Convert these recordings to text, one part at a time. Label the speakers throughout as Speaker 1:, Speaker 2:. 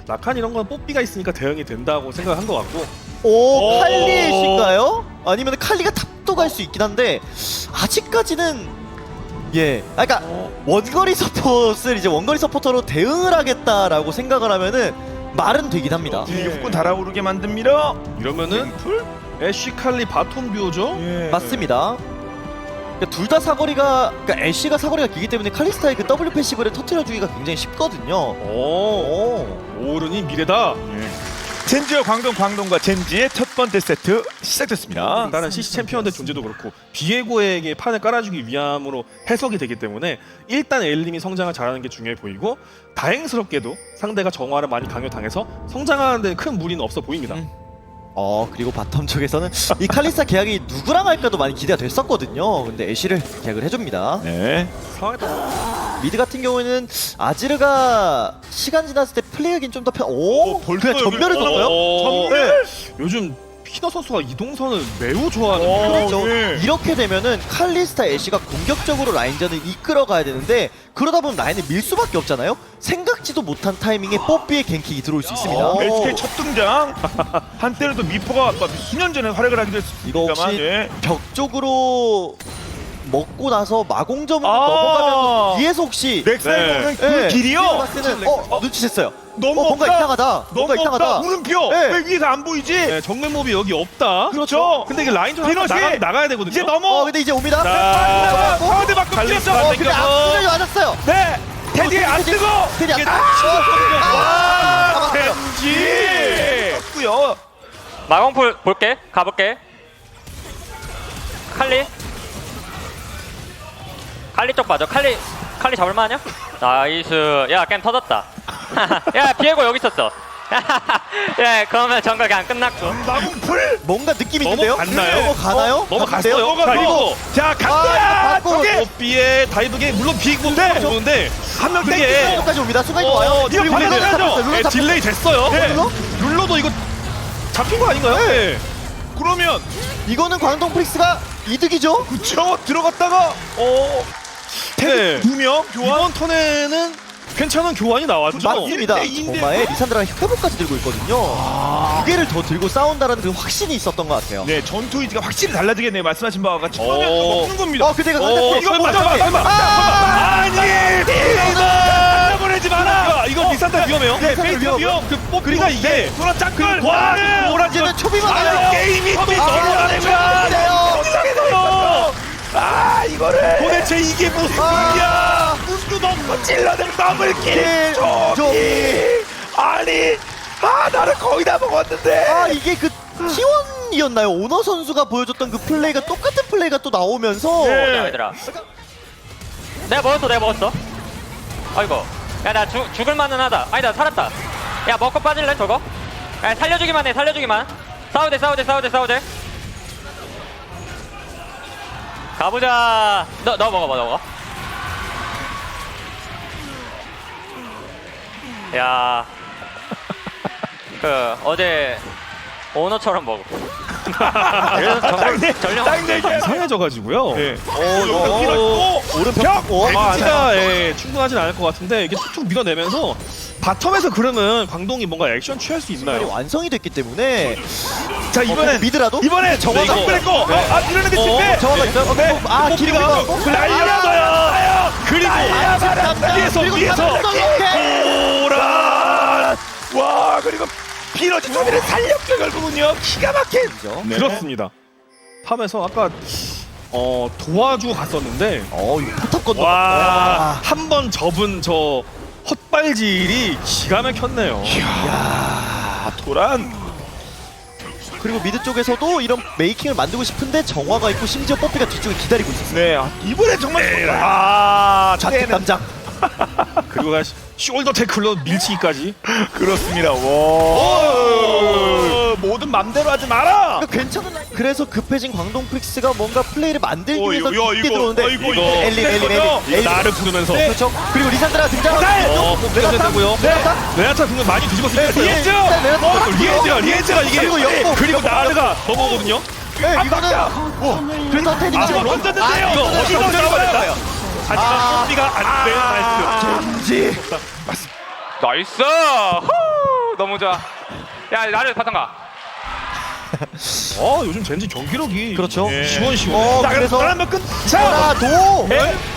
Speaker 1: 라칸 이런 건 뽀삐가 있으니까 대응이 된다고 생각한 것 같고.
Speaker 2: 오, 칼리일까요? 아니면 칼리가 탑도 갈 수 있긴 한데 아직까지는 그러니까 원거리 서폿을 이제 원거리 서포터로 대응을 하겠다라고 생각을 하면은 말은 되긴 합니다.
Speaker 3: 육군 달아오르게 만듭니다.
Speaker 1: 이러면은 애쉬 칼리 바텀 듀오죠?
Speaker 3: 예.
Speaker 2: 맞습니다. 그러니까 둘 다 사거리가, 그러니까 애쉬가 사거리가 길기 때문에 칼리스타의 그 W 패시브를 터트려주기가 굉장히 쉽거든요.
Speaker 1: 오른이 미래다.
Speaker 3: 젠지와 광동과 젠지의 첫 번째 세트 시작됐습니다.
Speaker 1: 다른 CC 챔피언들 존재도 그렇고 비에고에게 판을 깔아주기 위함으로 해석이 되기 때문에 일단 엘림이 성장을 잘하는 게 중요해 보이고 다행스럽게도 상대가 정화를 많이 강요당해서 성장하는 데 큰 무리는 없어 보입니다.
Speaker 2: 그리고 바텀 쪽에서는 이 칼리스타 계약이 누구랑 할까도 많이 기대가 됐었거든요. 근데 애쉬를 계약을 해줍니다.
Speaker 3: 네.
Speaker 1: 상황에 따라
Speaker 2: 미드 같은 경우에는 아지르가 시간 지났을 때 플레이하기는 좀 더 그냥 전멸을 썼어요?
Speaker 1: 전멸! 요즘 피너 선수가 이동선을 매우 좋아하는
Speaker 2: 그렇죠.
Speaker 3: 네.
Speaker 2: 이렇게 되면은 칼리스타 애쉬가 공격적으로 라인전을 이끌어 가야 되는데 그러다 보면 라인을 밀 수밖에 없잖아요. 생각지도 못한 타이밍에 뽀삐의 갱킥이 들어올 수 있습니다.
Speaker 3: SK 첫 등장. 한때는 또 미포가 수년 전에 활약을 하기도
Speaker 2: 이거
Speaker 3: 했습니다만
Speaker 2: 혹시 벽 쪽으로 먹고 나서 마공점으로 넘어가면 뒤에서 혹시
Speaker 3: 넥사의 그
Speaker 2: 네.
Speaker 3: 길이요.
Speaker 2: 봤을 때는 눈치챘어요.
Speaker 3: 너무
Speaker 2: 뭔가
Speaker 3: 없다.
Speaker 2: 이상하다. 뭔가
Speaker 3: 너무 없다.
Speaker 2: 이상하다.
Speaker 3: 물음표.
Speaker 2: 네.
Speaker 3: 왜 위에서 안 보이지?
Speaker 1: 네, 정면몹이 여기 없다.
Speaker 3: 그렇죠.
Speaker 1: 근데 이게 라인 좀
Speaker 3: 피넛이
Speaker 1: 나가야 되거든요.
Speaker 3: 이제 넘어.
Speaker 2: 근데 이제 옵니다.
Speaker 1: 자,
Speaker 3: 상대 바꿔
Speaker 1: 칼리스타
Speaker 3: 뛰었어.
Speaker 2: 근데 앞수전이 맞았어요.
Speaker 3: 네. 테디 안 뜨고.
Speaker 2: 테디 안
Speaker 1: 이게
Speaker 3: 와.
Speaker 2: 잡았어요.
Speaker 3: 젠지. 떴고요.
Speaker 4: 마공풀 볼게. 가볼게. 칼리 쪽 봐줘. 칼리 잡을만하냐? 나이스. 야 게임 터졌다. 야 비에고 여기 있었어. 야 그러면 정글 그냥 끝났고.
Speaker 3: 마공풀.
Speaker 2: 뭔가 느낌이 있는데요?
Speaker 1: 넘어갔나요?
Speaker 2: 넘어가나요?
Speaker 1: 넘어갔어요.
Speaker 2: 갔는데요?
Speaker 1: 자, 그리고
Speaker 3: 자, 간다.
Speaker 2: 받고.
Speaker 3: 저게
Speaker 1: 뽀삐의 다이브게 물론 비에고인데 좋은데
Speaker 3: 한명
Speaker 1: 그게
Speaker 3: 땡기고.
Speaker 2: 까지 옵니다. 순간이 와요.
Speaker 3: 이거
Speaker 2: 그리고
Speaker 3: 받아야
Speaker 2: 룰러
Speaker 3: 되죠?
Speaker 2: 잡혔어요. 룰러 잡혔어요.
Speaker 1: 딜레이 됐어요.
Speaker 3: 네.
Speaker 1: 룰러도 이거 잡힌 거 아닌가요? 네.
Speaker 3: 그러면
Speaker 2: 이거는 광동 프릭스가 이득이죠?
Speaker 3: 그쵸 들어갔다가
Speaker 1: 네.
Speaker 3: 두 명 교환.
Speaker 1: 이번 턴에는 괜찮은 교환이 나왔죠.
Speaker 2: 맞습니다.
Speaker 3: 1대2인데.
Speaker 2: 정말 리산드라가 회복까지 들고 있거든요. 두 개를 더 들고 싸운다라는 그 확신이 있었던 것 같아요.
Speaker 3: 네 전투 의지가 확실히 달라지겠네요. 말씀하신 바와 같이.
Speaker 1: 어.
Speaker 3: 먹는 겁니다.
Speaker 2: 그대가
Speaker 3: 이거
Speaker 1: 설마,
Speaker 3: 먼저
Speaker 1: 설마.
Speaker 3: 아니 이거 보내지 마라.
Speaker 1: 이거 리산다 위험해요.
Speaker 3: 네 페이스 위험.
Speaker 1: 그 뽀삐가 이게
Speaker 3: 돌아 짱걸.
Speaker 2: 이제는 초비만
Speaker 3: 아
Speaker 2: 나요.
Speaker 3: 게임이 또
Speaker 2: 돼요.
Speaker 3: 이상해서요. 이거를 도대체 이게 무슨 일이야? 눈도 넘고 찔러낸 더블킬. 저기 아니 나를 거의 다 먹었는데.
Speaker 2: 이게 그 T1이었나요? 오너 선수가 보여줬던 그 플레이가 똑같은 플레이가 또 나오면서
Speaker 3: 네.
Speaker 4: 얘들아. 내가 먹었어. 아이고. 야 나 죽을만은 하다. 아니 나 살았다. 야 먹고 빠질래 저거? 야 살려주기만 해. 싸우대. 가보자. 너 먹어. 야. 그 어제 오너처럼 먹어. 그래서 전령
Speaker 1: 이상해져가지고요.
Speaker 3: 네.
Speaker 2: 오른벽
Speaker 1: 벤치가 충분하진 않을 것 같은데 이게 툭툭 밀어내면서 바텀에서 그러면 광동이 뭔가 액션 취할 수 있나요?
Speaker 2: 완성이 됐기 때문에
Speaker 3: 자 이번엔
Speaker 2: 미드라도
Speaker 3: 이번에 정화가
Speaker 1: 이거.
Speaker 3: 그랬고 밀어내기 실패.
Speaker 2: 정화가 있어요. 길이 올라왔고
Speaker 3: 날려줘요.
Speaker 1: 그리고 위에서
Speaker 3: 오란. 와 그리고 피너지 소비를 살렸죠 결국은요. 기가 막힌. 네.
Speaker 1: 그렇습니다. 팜에서 아까 도와주고 갔었는데
Speaker 2: 이거 포탑 건너.
Speaker 1: 와 한 번 접은 저 헛발질이 기가 막혔네요.
Speaker 3: 도란.
Speaker 2: 그리고 미드 쪽에서도 이런 메이킹을 만들고 싶은데 정화가 있고 심지어 뽀삐가 뒤쪽에 기다리고 있었어요.
Speaker 3: 네 이번에 정말
Speaker 2: 좌측 담장.
Speaker 1: 그리고 숄더 태클로 밀치기까지.
Speaker 3: 그렇습니다. 와 모든 맘대로 하지 마라.
Speaker 2: 괜찮은 라인. 그래서 급해진 광동 프릭스가 뭔가 플레이를 만들기 위해서 깊게 들어오는데
Speaker 3: 이거
Speaker 2: 엘리
Speaker 1: 나를 부르면서
Speaker 2: 그렇죠. 그리고 리산드라 등장하고
Speaker 1: 뽑기가 된다고요. 레나타 등을 많이 뒤집었으니까 리엔즈가 이게 그리고 나르가 넘어오거든요.
Speaker 2: 이거는 그래서 테디가
Speaker 3: 던졌는데요.
Speaker 1: 이거 어디서 들어가야 하지만 뽀삐가 안돼. 나이스.
Speaker 2: 젠지
Speaker 4: 나이스.
Speaker 5: 너무 좋아. 야 나를 바탕가.
Speaker 1: 요즘 젠지 경기력이
Speaker 2: 그렇죠.
Speaker 1: 예. 시원시원해.
Speaker 3: 자,
Speaker 2: 그래서
Speaker 3: 그래서 한번 끝.
Speaker 2: 하나 도.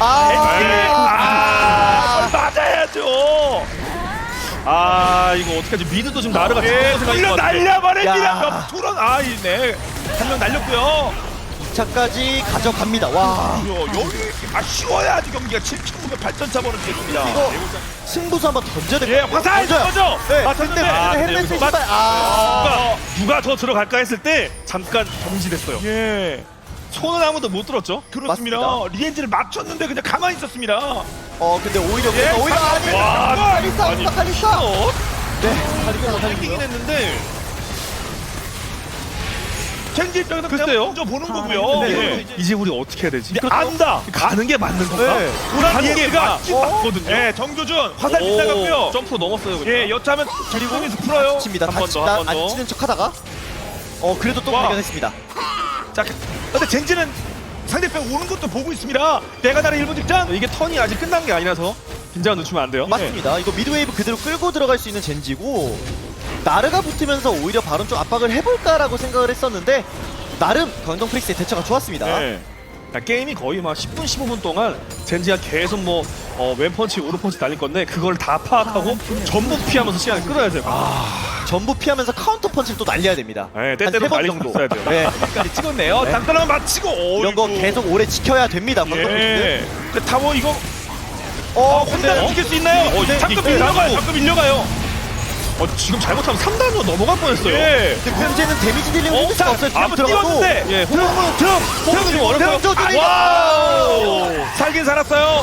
Speaker 3: 맞아야죠.
Speaker 1: 이거 어떡하지? 미드도 지금 나르가
Speaker 3: 예,
Speaker 1: 생각인
Speaker 3: 돌려
Speaker 1: 것 같아.
Speaker 3: 날려버립니다.
Speaker 2: 야.
Speaker 3: 투런 네. 한 명 날렸고요.
Speaker 2: 2차까지 가져갑니다. 와.
Speaker 3: 여기 쉬워야지 경기가 7점 8점 버는 게입니다.
Speaker 2: 이거 승부수 한번 던져야 될
Speaker 3: 예,
Speaker 2: 것 같아요.
Speaker 3: 화살 던져.
Speaker 2: 네,
Speaker 3: 맞췄는데
Speaker 2: 근데 헬멧
Speaker 1: 여기서
Speaker 2: 신발
Speaker 1: 누가 더 들어갈까 했을 때 잠깐 정지됐어요.
Speaker 3: 예,
Speaker 1: 손은 아무도 못 들었죠.
Speaker 3: 그렇습니다.
Speaker 2: 맞습니다.
Speaker 3: 리엔즈를 맞췄는데 그냥 가만히 있었습니다.
Speaker 2: 근데 오히려
Speaker 3: 예,
Speaker 2: 오히려 아니.
Speaker 3: 와,
Speaker 2: 칼리스타
Speaker 1: 아니,
Speaker 2: 칼리스타. 네.
Speaker 1: 이기긴 했는데
Speaker 3: 젠지 입장에서
Speaker 1: 글쎄요.
Speaker 3: 그냥 먼저 보는 거고요.
Speaker 1: 근데
Speaker 3: 예.
Speaker 1: 이제 우리 어떻게 해야 되지?
Speaker 3: 근데 안다.
Speaker 1: 가는 게 맞는 건가?
Speaker 2: 네.
Speaker 1: 가는 게
Speaker 3: 리엔즈가
Speaker 1: 맞긴 맞거든요.
Speaker 3: 예, 정조준 화살 빗나갔고요.
Speaker 1: 점프로 넘었어요. 그냥.
Speaker 3: 예, 여차하면 그리고 풀어요.
Speaker 2: 칩니다.
Speaker 1: 한번
Speaker 2: 다치
Speaker 1: 더, 한번 더.
Speaker 2: 안 치는 척하다가 그래도 또
Speaker 3: 와.
Speaker 2: 발견했습니다.
Speaker 3: 자, 근데 젠지는 상대편 오는 것도 보고 있습니다. 내가 나를 1분 직전.
Speaker 1: 이게 턴이 아직 끝난 게 아니라서 긴장을 늦추면 안 돼요.
Speaker 2: 맞습니다. 이거 미드웨이브 그대로 끌고 들어갈 수 있는 젠지고 나르가 붙으면서 오히려 바론 좀 압박을 해볼까라고 생각을 했었는데 나름 광동 프릭스의 대처가 좋았습니다.
Speaker 3: 네.
Speaker 1: 게임이 거의 막 10분, 15분 동안 젠지가 계속 왼펀치, 오른펀치 날릴 건데 그걸 다 파악하고 전부 피하면서 시간을 끌어야 돼요.
Speaker 2: 전부 피하면서 카운터 펀치를 또 날려야 됩니다.
Speaker 1: 네,
Speaker 2: 한
Speaker 1: 때때로
Speaker 2: 3번
Speaker 1: 날릴
Speaker 2: 정도.
Speaker 1: 수 있어야 돼요.
Speaker 2: 네.
Speaker 3: 까지 찍었네요.
Speaker 2: 네.
Speaker 3: 단단한 맞히고.
Speaker 2: 이런 거 계속 오래 지켜야 됩니다. 광동 프릭스.
Speaker 3: 예. 그 타워 이거
Speaker 2: 근데
Speaker 3: 혼자 지킬 수 있나요? 잠깐
Speaker 1: 이게
Speaker 3: 밀려가요.
Speaker 1: 나가고.
Speaker 3: 잠깐 밀려가요.
Speaker 1: 지금 잘못하면 3단으로 넘어갈 뻔했어요.
Speaker 3: 예.
Speaker 2: 근데 문제는 데미지 딜링을 해줄 수가 없어요.
Speaker 3: 한번
Speaker 2: 들어가도.
Speaker 3: 뛰었는데.
Speaker 1: 예,
Speaker 3: 등
Speaker 1: 좀 어렵고요.
Speaker 2: 조준이
Speaker 3: 와우. 살긴 살았어요.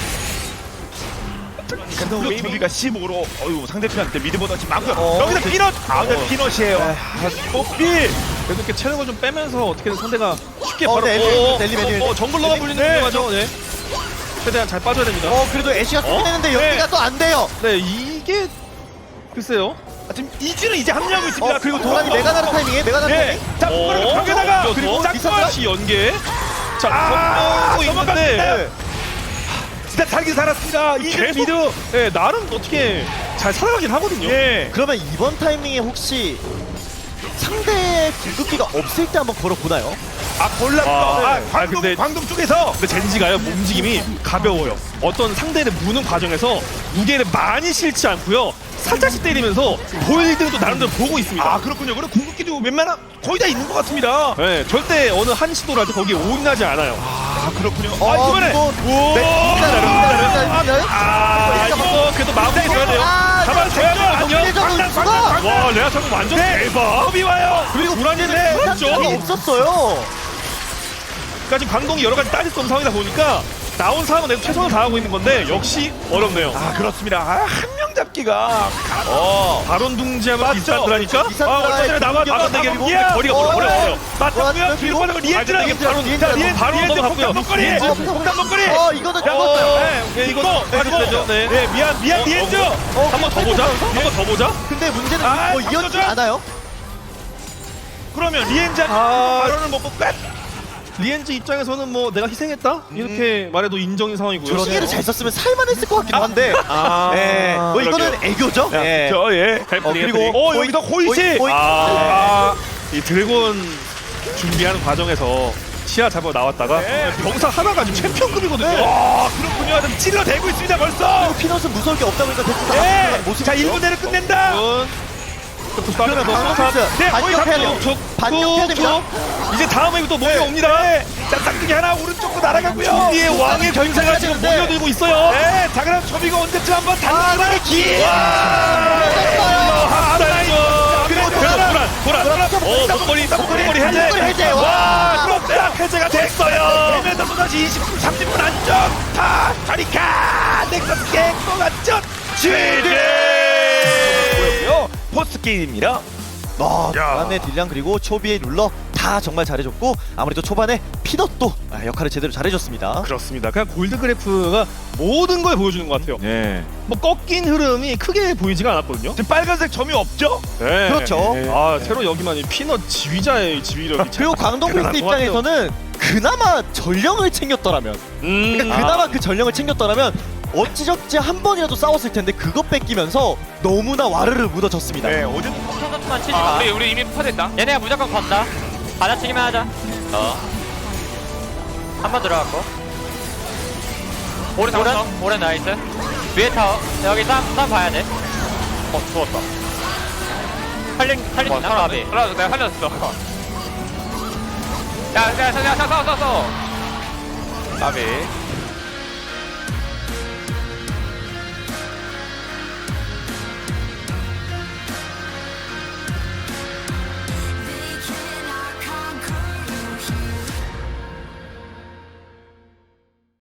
Speaker 3: 웨이비가 15로 상대편한테 미드보다 지금 많고요. 여기서 피넛. 근데 피넛이에요. 뽀삐.
Speaker 1: 그래도 이렇게 체력을 좀 빼면서 어떻게든 상대가 쉽게 바로
Speaker 2: 네, 엘리.
Speaker 1: 정글러가 불리는 게 맞죠. 네. 최대한 잘 빠져야 됩니다.
Speaker 2: 그래도 애쉬가 끝내는데 여기가 또 안 돼요.
Speaker 1: 네, 이게 글쎄요.
Speaker 3: 지금 이주는 이제 합류하고 있습니다.
Speaker 2: 그리고 도란이 메가나르 타이밍에 메가나르
Speaker 3: 예.
Speaker 2: 타이밍.
Speaker 3: 자, 그리고 벽에다가 그리고 짝꿍.
Speaker 1: 시 연계. 자, 넘어고 있는데
Speaker 3: 넘어갔는데. 진짜 살긴 살았습니다. 이주
Speaker 1: 계속
Speaker 3: 미드.
Speaker 1: 네, 나름 어떻게 잘 살아가긴 하거든요.
Speaker 3: 예.
Speaker 2: 그러면 이번 타이밍에 혹시 상대의 궁극기가 없을 때 한번 걸어보나요?
Speaker 3: 골랐어.
Speaker 1: 근데-
Speaker 3: 광동 쪽에서.
Speaker 1: 근데 젠지가요 움직임이 가벼워요. 어떤 상대를 무는 과정에서 무게를 많이 실지 않고요. 살짝씩 때리면서 볼드도 나름대로 보고 있습니다.
Speaker 3: 그렇군요. 그럼 궁극기도 웬만한 거의 다 있는 것 같습니다.
Speaker 1: 네, 절대 어느 한 시도를 할 때 거기에 올인하지 않아요.
Speaker 3: 그렇군요.
Speaker 2: 이거
Speaker 3: 이번에
Speaker 1: 이거 그래도 마무리 돼야 돼요. 잡아줘야 돼요. 와, 레아 차고 완전 대박.
Speaker 3: 법이 와요.
Speaker 2: 그리고
Speaker 1: 불안해네.
Speaker 2: 그렇죠.
Speaker 1: 그렇죠.
Speaker 2: 없었어요.
Speaker 1: 그러니까 지금 광동이 여러 가지 따질 수 없는 상황이다 보니까 나온 사람은 내가 최선을 다하고 있는 건데 역시 어렵네요.
Speaker 3: 그렇습니다. 한 명 잡기가.
Speaker 1: 바론 둥지하면 비싼드라니까.
Speaker 2: 비싼드라에
Speaker 1: 얼마 전에 나와 나갔는데 이게
Speaker 2: 공격.
Speaker 1: 거리가 멀어요.
Speaker 3: 맞다고요?
Speaker 2: 그리고
Speaker 3: 뒤로 리엔즈랑
Speaker 1: 바로 넘어갔고요.
Speaker 3: 목걸이.
Speaker 2: 리엔즈.
Speaker 3: 목걸이.
Speaker 2: 이거는 죽었어요.
Speaker 1: 이거 빠지죠. 네.
Speaker 3: 네, 미안 리엔즈.
Speaker 1: 한 번 더 보자. 한 번 더 보자.
Speaker 2: 근데 문제는 이어지지
Speaker 3: 잠깐만.
Speaker 2: 않아요.
Speaker 3: 그러면 리엔즈 바로는 먹고 끝.
Speaker 1: 리엔즈 입장에서는 내가 희생했다 이렇게 말해도 인정인 상황이고요.
Speaker 2: 시계를 잘 썼으면 살만했을 것 같기도 한데. 네. 이거는 애교죠. 네.
Speaker 3: 그리고 여기서 호이시.
Speaker 2: 호이.
Speaker 1: 이 드래곤 준비하는 과정에서 시야 잡아 나왔다가 병사 하나가 지금 챔피언급이거든요.
Speaker 3: 그렇군요. 좀 찔러대고 있습니다 벌써.
Speaker 2: 피넛은 무서울 게 없다 보니까 계속
Speaker 3: 네.
Speaker 2: 모습.
Speaker 3: 자 1분 내로 끝낸다.
Speaker 2: 그러면 반격해야 돼요. 반격해야 됩니다.
Speaker 1: 이제 다음에 또 몰려옵니다.
Speaker 3: 자 쌍둥이 하나 오른쪽으로 날아가고요.
Speaker 1: 뒤에 왕의 병사가 지금
Speaker 2: 되는데.
Speaker 1: 몰려들고 있어요.
Speaker 3: 네. 자 그럼 초비가 언제쯤 한번 달려가는 기회.
Speaker 1: 목걸이
Speaker 2: 해제.
Speaker 3: 와, 그렇다. 해제가 됐어요. 그러면서 또다시 20분, 30분 안쪽. 가리카. 넥서스 갱고 맞죠? 보였고요. 포스트 게임입니다.
Speaker 2: 초반에 딜량 그리고 초비의 룰러 다 정말 잘해줬고 아무래도 초반에 피넛도 역할을 제대로 잘해줬습니다.
Speaker 1: 그렇습니다. 그냥 골드 그래프가 모든 걸 보여주는 것 같아요.
Speaker 3: 네.
Speaker 1: 꺾인 흐름이 크게 보이지가 않았거든요.
Speaker 3: 지금 빨간색 점이 없죠?
Speaker 1: 네.
Speaker 2: 그렇죠.
Speaker 1: 새로 여기만 이 피넛 지휘자의 지휘력이
Speaker 2: 그리고 광동 프릭스
Speaker 1: 대단한 것 같아요.
Speaker 2: 입장에서는 그나마 전령을 챙겼더라면 그러니까 그나마 그 전령을 챙겼더라면 어찌저찌 한 번이라도 싸웠을 텐데 그거 뺏기면서 너무나 와르르 묻어졌습니다.
Speaker 3: 네, 어제
Speaker 4: 만 치지
Speaker 5: 아,
Speaker 4: 마.
Speaker 5: 우리 이미 퍼졌다.
Speaker 4: 얘네가 무조건 건다. 받아치기만 하자. 한 번 들어갔고.
Speaker 5: 오른 잡았어.
Speaker 4: 오른 나이스. 위에 타워. 여기 싸움 봐야 돼.
Speaker 5: 죽었다.
Speaker 4: 살린 나 바비.
Speaker 5: 살았어. 내가 살렸어. 야, 싸워.
Speaker 3: 나비